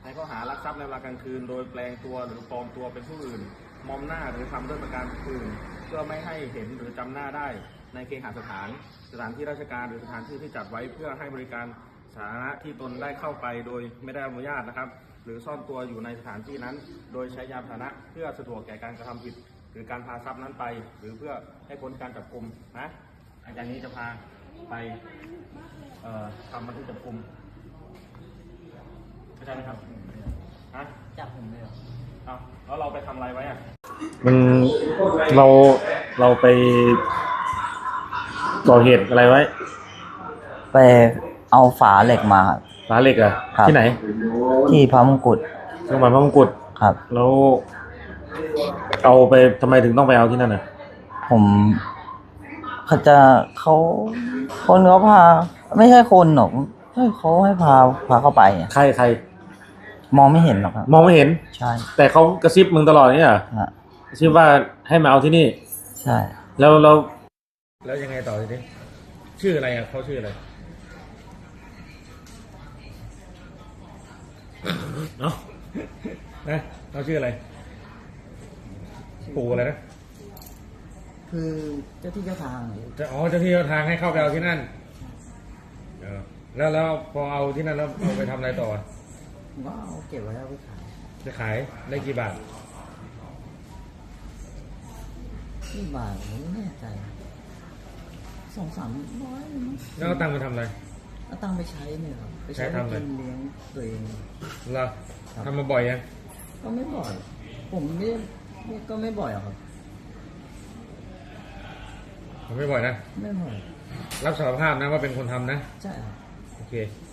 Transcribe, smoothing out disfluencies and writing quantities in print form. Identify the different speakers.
Speaker 1: ข้อหารักทรัพย์ในเวลากลางคืนโดยแปลงตัวหรือปลอมตัวเป็นผู้อื่นมอมหน้าหรือทำด้วยประการอื่นเพื่อไม่ให้เห็นหรือจำหน้าได้ในเคหสถานที่ราชการหรือสถานที่ที่จัดไว้เพื่อให้บริการสาธารณะที่ตนได้เข้าไปโดยไม่ได้อนุญาตนะครับหรือซ่อนตัวอยู่ในสถานที่นั้นโดยใช้ยานพาหนะเพื่อสะดวกแก่การกระทำผิดหรือการพาทรัพย์นั้นไปหรือเพื่อให้พ้นการจับกุมนะอาจารย์นี้จะพาไปทำบันทึกจับกุมเข้าใจไหมครับฮะ
Speaker 2: จับผมเลยเหรอ
Speaker 1: เอาแล้วเราไปทำอะไรไว้อะ
Speaker 3: มันเราไปก่อเหตุอะไรไว้
Speaker 2: ไปเอาฝาเหล็กมาครับ
Speaker 3: ฝาเหล็กอะที่ไหน
Speaker 2: ที่พระมงกุฎ
Speaker 3: โรงพยาบาลพระมงกุฎ
Speaker 2: ครับ
Speaker 3: แล้วเอาไปทำไมถึงต้องไปเอาที่นั่นอะ
Speaker 2: ผมเขาคนเขาพาไม่ใช่คนหรอกเขาให้พาเข้าไป
Speaker 3: ใคร
Speaker 2: มองไม่เห็นหรอกครับ
Speaker 3: มองไม่เห็น
Speaker 2: ใช่
Speaker 3: แต่เขากระซิบมึงตลอดนี่เหรอกระซิบว่าให้มาเอาที่นี่
Speaker 2: ใช่
Speaker 3: แล้วยังไงต่อทีนี้ชื่ออะไรอ่ะเขาชื่ออะไรเนาะนะเขาชื่ออะไรปู่อะไรนะ
Speaker 2: คือเจ้าที่เจ้าทาง
Speaker 3: เจ้าที่เจ้าทางให้เข้าไปเอาที่นั่นแล้วพอเอาที่นั่นแล้วเอาไปทำอะไรต่อ
Speaker 2: ก็เอาเก็บไว้เอาไปขาย
Speaker 3: จะขายได้กี่บาท
Speaker 2: ผมไม่แน่ใจ200-300
Speaker 3: แล้วเอาตังค์ไปทำอะไร
Speaker 2: เอาตังค์ไปใช้เนี่ยครับไปใช้ทำอะไรเลี้ยงตัวเอง
Speaker 3: เราทำมาบ่อยยัง
Speaker 2: ก็ไม่บ่อยผมก็ไม่บ่อยครับ
Speaker 3: ผมไม่บ่อยนะ
Speaker 2: ไม่บ่อย
Speaker 3: รับสารภาพนะว่าเป็นคนทำนะ
Speaker 2: ใช่ครับ
Speaker 3: โอเค